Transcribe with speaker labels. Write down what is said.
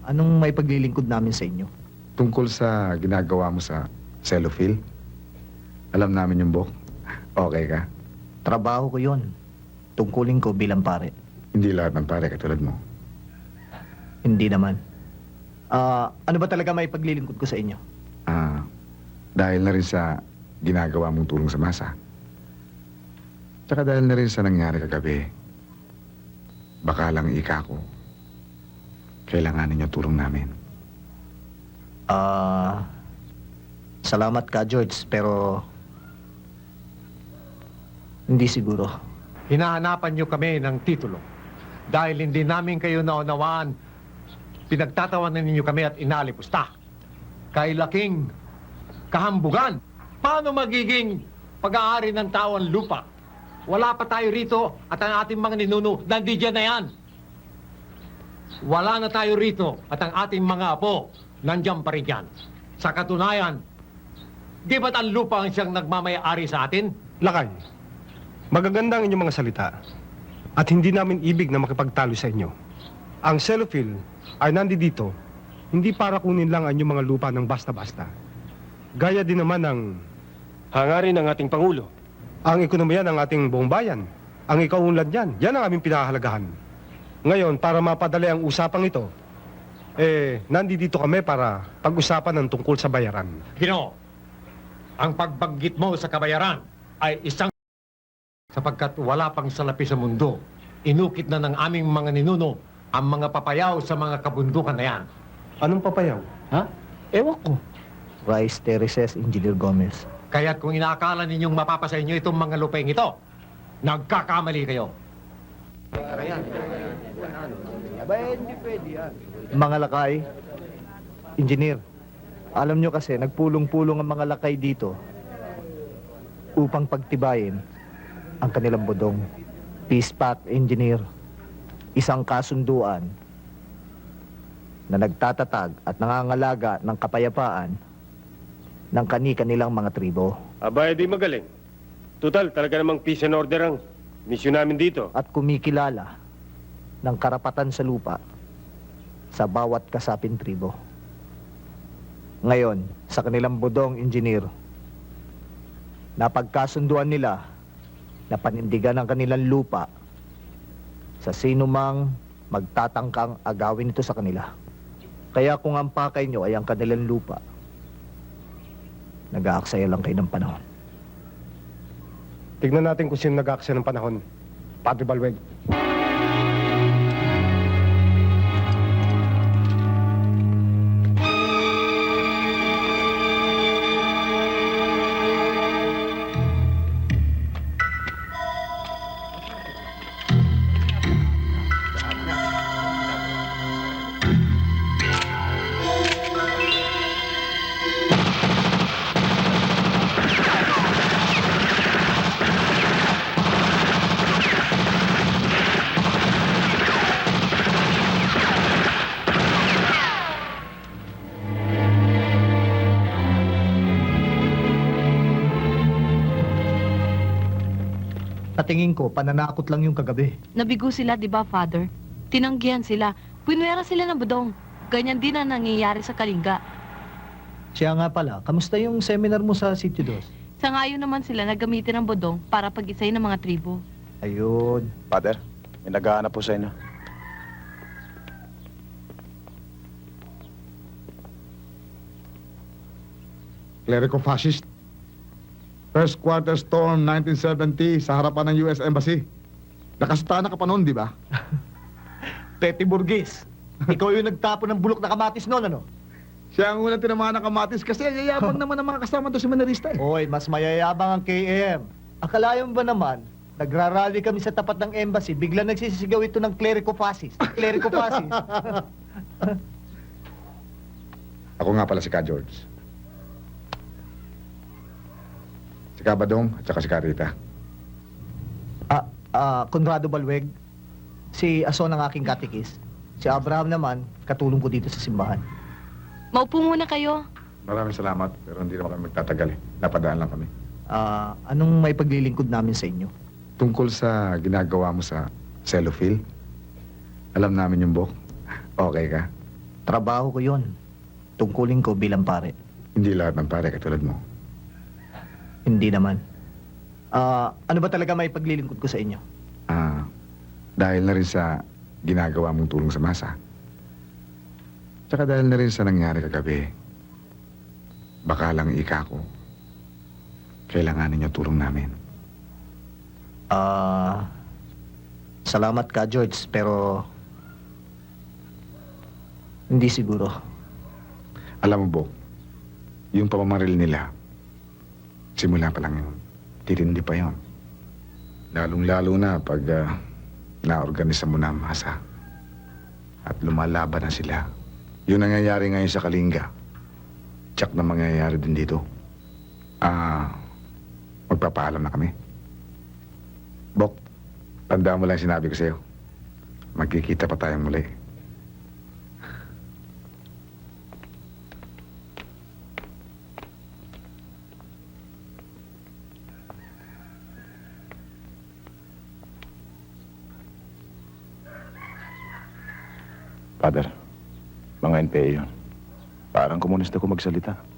Speaker 1: Anong may paglilingkod namin sa inyo?
Speaker 2: Tungkol sa ginagawa mo sa cellophile. Alam namin yung book. Okay ka?
Speaker 1: Trabaho ko yon. Tungkulin ko bilang pare.
Speaker 2: Hindi lahat ng pare katulad mo.
Speaker 1: Hindi naman. Ano ba talaga may paglilingkod ko sa inyo?
Speaker 2: Dahil na rin sa ginagawa mong tulong sa masa. Tsaka dahil na rin sa nangyari kagabi. Baka lang ika ko. Kailanganin niyo tulong namin.
Speaker 1: Salamat ka, George, pero hindi siguro.
Speaker 3: Hinahanapan niyo kami ng titulo. Dahil hindi namin kayo naunawaan, pinagtatawanan ninyo kami at inalipusta. Kay laking kahambugan. Paano magiging pag-aari ng tao ang lupa? Wala pa tayo rito at ang ating mga ninuno, nandiyan na yan. Wala na tayo rito at ang ating mga apo, nandiyan pa rin yan. Sa katunayan, di ba't ang lupa ang siyang nagmamay-ari sa atin?
Speaker 4: Lakay, magaganda ang inyong mga salita at hindi namin ibig na makipagtalo sa inyo. Ang cellophile ay nandito hindi para kunin lang ang inyong mga lupa ng basta-basta. Gaya din naman ng hangarin ng ating Pangulo. Ang ekonomiya ng ating buong bayan, ang ikaunlad niyan, yan ang aming pinahahalagahan. Ngayon, para mapadali ang usapang ito, nandito kami para pag-usapan ng tungkol sa bayaran.
Speaker 3: Ginoo, ang pagbanggit mo sa kabayaran ay isang sapagkat wala pang salapi sa mundo. Inukit na ng aming mga ninuno ang mga papayaw sa mga kabundukan na yan.
Speaker 4: Anong papayaw?
Speaker 3: Ha? Ewan ko.
Speaker 1: Rice Terraces, Engineer Gomez.
Speaker 3: Kaya't kung inaakala ninyong mapapasa inyo itong mga lupeng ito, nagkakamali kayo.
Speaker 1: Mga lakay, engineer, alam nyo kasi, nagpulong-pulong ang mga lakay dito upang pagtibayin ang kanilang bodong. Peace pact, engineer. Isang kasunduan na nagtatatag at nangangalaga ng kapayapaan ng kani-kanilang mga tribo.
Speaker 5: Aba, di magaling. Total, talaga namang peace and order ang misyon namin dito.
Speaker 1: At kumikilala ng karapatan sa lupa sa bawat kasaping tribo. Ngayon, sa kanilang bodong, engineer, napagkasunduan nila na panindigan ang kanilang lupa sa sino mang magtatangkang agawin ito sa kanila. Kaya kung ang pakay nyo ay ang kanilang lupa, nag-aaksaya lang kayo ng panahon.
Speaker 4: Tignan natin kung sino nag-aaksaya ng panahon. Padre Balweg.
Speaker 1: Patingin ko, pananakot lang yung kagabi.
Speaker 6: Nabigo sila, di ba, Father? Tinanggihan sila. Pinwera sila ng budong. Ganyan din ang nangyayari sa Kalinga.
Speaker 1: Siya nga pala, kamusta yung seminar mo sa City 2?
Speaker 6: Sa ngayon naman sila na gamitin ng budong para pag-isay ng mga tribo.
Speaker 1: Ayun.
Speaker 7: Father, may naghahanap po sa inyo.
Speaker 2: Clerico-fascist. First quarter storm, 1970, sa harapan ng US Embassy. Nakasutana ka pa noon, di ba?
Speaker 1: Petty Burgess. Ikaw yung nagtapo ng bulok na kamatis noon, ano?
Speaker 2: Siya ang unang tinamaan ng kamatis kasi yayabang naman ang mga kasama doon si Manarista eh.
Speaker 1: Oy, mas mayayabang ang KM. Akalayo mo ba naman, nagrarally kami sa tapat ng embassy, bigla nagsisigaw ito ng clerico-fascist. Clerico-fascist.
Speaker 2: Ako nga pala si Ka George. Si Ka Badong at saka si Ka Rita.
Speaker 1: Conrado Balweg, si Ason ang aking katikis. Si Abraham naman, katulong ko dito sa simbahan.
Speaker 6: Maupo muna kayo.
Speaker 2: Maraming salamat, pero hindi naman kami magtatagal eh. Napadaan lang kami.
Speaker 1: Anong may paglilingkod namin sa inyo?
Speaker 2: Tungkol sa ginagawa mo sa cellophile. Alam namin yung book. Okay ka?
Speaker 1: Trabaho ko yon. Tungkulin ko bilang pare.
Speaker 2: Hindi lahat ng pare katulad mo.
Speaker 1: Hindi naman. Ano ba talaga may paglilingkod ko sa inyo?
Speaker 2: Dahil na rin sa ginagawa mong tulong sa masa. Tsaka dahil na rin sa nangyari kagabi, baka lang ko, kailanganin niyo tulong namin.
Speaker 1: Salamat ka, George, pero hindi siguro.
Speaker 2: Alam mo, Bok, yung pamamaril nila, simula pa lang yun. Titindi pa yun. Lalong-lalo na pag naorganisa mo na ang masa. At lumalaban na sila. Yung nangyayari ngayon sa Kalinga, tsak na mangyayari din dito. Magpapaalam na kami. Bok, tandaan mo lang yung sinabi ko sa'yo. Magkikita pa tayong muli.
Speaker 7: Father, mga NPA yun. Parang komunista ko magsalita.